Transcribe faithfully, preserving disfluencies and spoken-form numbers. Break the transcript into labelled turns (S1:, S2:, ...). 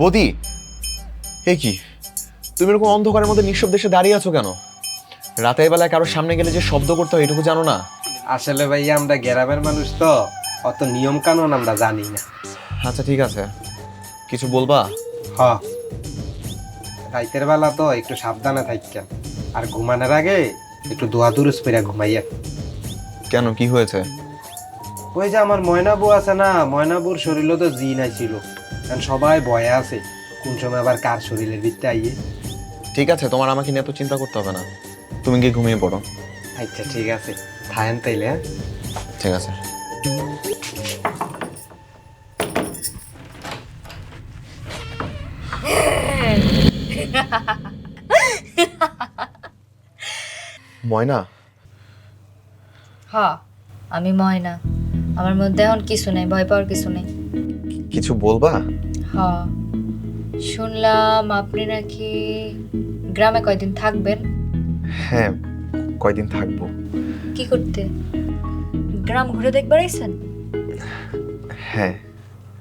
S1: বদি, এ কি তুমি এরকম অন্ধকারের মধ্যে নিঃশব্দে এসে দাঁড়িয়ে আছো কেন? রাতের বেলায় কারোর সামনে গেলে যে শব্দ করতে হয় এটুকু জানো না?
S2: আসলে ভাই আমরা গ্রামের মানুষ তো, অত নিয়ম কানুন আমরা জানি না।
S1: আচ্ছা ঠিক আছে, কিছু বলবা?
S2: হ, রাইতের বেলা তো একটু সাবধানে থাকেন, আর ঘুমানোর আগে একটু দোয়া দুরুস করে ঘুমাইয়া।
S1: কেন, কি হয়েছে?
S2: ওই যে আমার ময়না বউ আছে না, ময়না বউর শরীরও তো জিন আইছিল, কারণ সবাই ভয়ে আছে কোন সময় আবার কার শরীরের ভিতরে আইয়ে।
S1: ঠিক আছে, তোমার আমাকে নিয়ে এত চিন্তা করতে হবে না, তুমি গিয়ে ঘুমিয়ে পড়ো।
S2: আচ্ছা ঠিক আছে, থাকেন তাইলে। হ্যাঁ
S1: ঠিক আছে। ময়না,
S3: হ, আমি ময়না। আমার মধ্যে এখন কিছু নেই, ভয় পাওয়ার কিছু নেই।
S1: কিছু বলবা?
S3: হ, শুনলাম আপনি নাকি গ্রামে কয়দিন থাকবেন।
S1: হ্যাঁ, কয়দিন থাকবো।
S3: কি করতে? গ্রাম ঘুরে দেখবার আইছেন?
S1: হ্যাঁ।